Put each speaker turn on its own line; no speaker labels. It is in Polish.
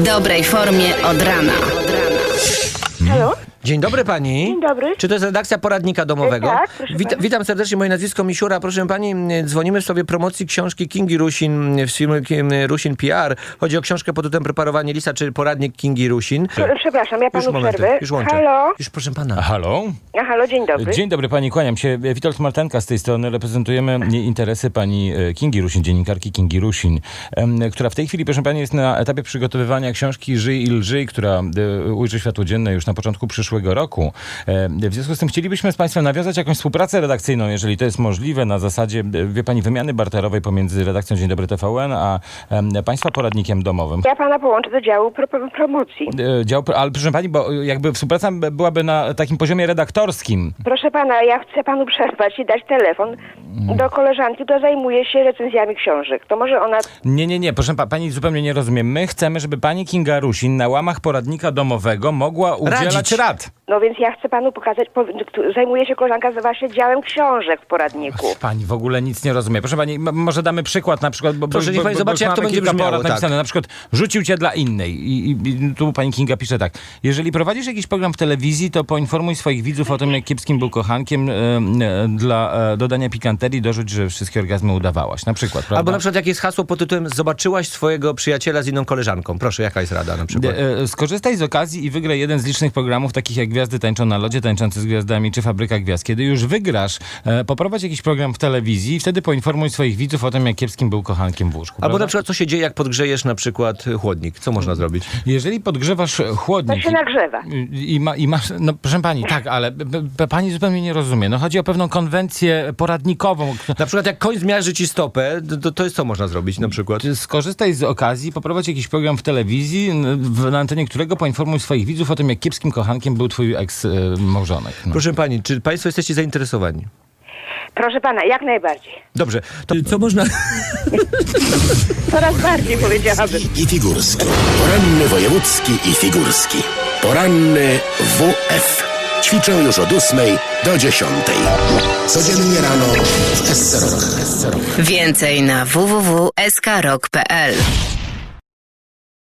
dobrej formie od rana.
Halo?
Dzień dobry pani.
Dzień dobry.
Czy to jest redakcja poradnika domowego?
Tak, proszę pana.
Witam serdecznie, moje nazwisko Misiura. Proszę pani, dzwonimy w sprawie promocji książki Kingi Rusin w firmy Rusin PR. Chodzi o książkę pod tytułem Preparowanie lisa, czy poradnik Kingi Rusin.
Przepraszam, ja panu
momenty,
przerwę.
już łączę.
Halo?
Już proszę pana.
Halo?
Halo, dzień dobry.
Dzień dobry pani, kłaniam się. Witold Martenka z tej strony. Reprezentujemy interesy pani Kingi Rusin, dziennikarki Kingi Rusin, która w tej chwili, proszę pani, jest na etapie przygotowywania książki Żyj i lżyj, która ujrzy światło dzienne już na początku przyszłego roku. W związku z tym chcielibyśmy z państwem nawiązać jakąś współpracę redakcyjną, jeżeli to jest możliwe, na zasadzie, wie pani, wymiany barterowej pomiędzy redakcją Dzień Dobry TVN a państwa poradnikiem domowym.
Ja pana połączę do działu promocji.
Ale proszę pani, bo jakby współpraca byłaby na takim poziomie redaktorskim.
Proszę pana, ja chcę panu przerwać i dać telefon do koleżanki, która zajmuje się recenzjami książek. To może ona...
Nie, proszę pani zupełnie nie rozumie. My chcemy, żeby pani Kinga Rusin na łamach poradnika domowego mogła udzielać
Radzić.
rad.
No więc ja chcę panu pokazać, zajmuje się koleżanka właśnie działem książek w poradniku.
Pani w ogóle nic nie rozumie. Proszę pani, może damy przykład na przykład, bo
Proszę, niech pani zobaczy, jak to będzie
kilka
brzmiało,
porad
tak.
napisane. Na przykład rzucił cię dla innej. I tu pani Kinga pisze tak. Jeżeli prowadzisz jakiś program w telewizji, to poinformuj swoich widzów o tym, jak kiepskim był kochankiem. Dla dodania pikanterii dorzuć, że wszystkie orgazmy udawałaś. Na przykład, prawda?
Albo na przykład jak jest hasło pod tytułem Zobaczyłaś swojego przyjaciela z inną koleżanką. Proszę, jaka jest rada na przykład?
Skorzystaj z okazji i wygraj jeden z licznych programów, takich jak Gwiazdy tańczą na lodzie, Tańczący z gwiazdami czy Fabryka Gwiazd. Kiedy już wygrasz, poprowadź jakiś program w telewizji i wtedy poinformuj swoich widzów o tym, jak kiepskim był kochankiem w łóżku.
Albo
prawda?
na przykład co się dzieje, jak podgrzejesz na przykład chłodnik. Co można zrobić?
Jeżeli podgrzewasz chłodnik...
To się nagrzewa.
I masz... No proszę pani, tak, ale pani zupełnie nie rozumie. No chodzi o pewną konwencję poradnikową.
Na przykład jak koń zmiażdży ci stopę, to jest co można zrobić na przykład?
Skorzystaj z okazji, poprowadź jakiś program w telewizji, na antenie którego poinformuj swoich widzów o tym, jak kiepskim kochankiem był twój eks-małżonek. No.
Proszę pani, czy państwo jesteście zainteresowani?
Proszę pana, jak najbardziej.
Dobrze, to co można...
Coraz bardziej powiedziałabym.
I figurski. Poranny wojewódzki i figurski. Poranny WF. Ćwiczę już od 8 do 10. Codziennie rano w SC Rock.
Więcej na www.skrok.pl.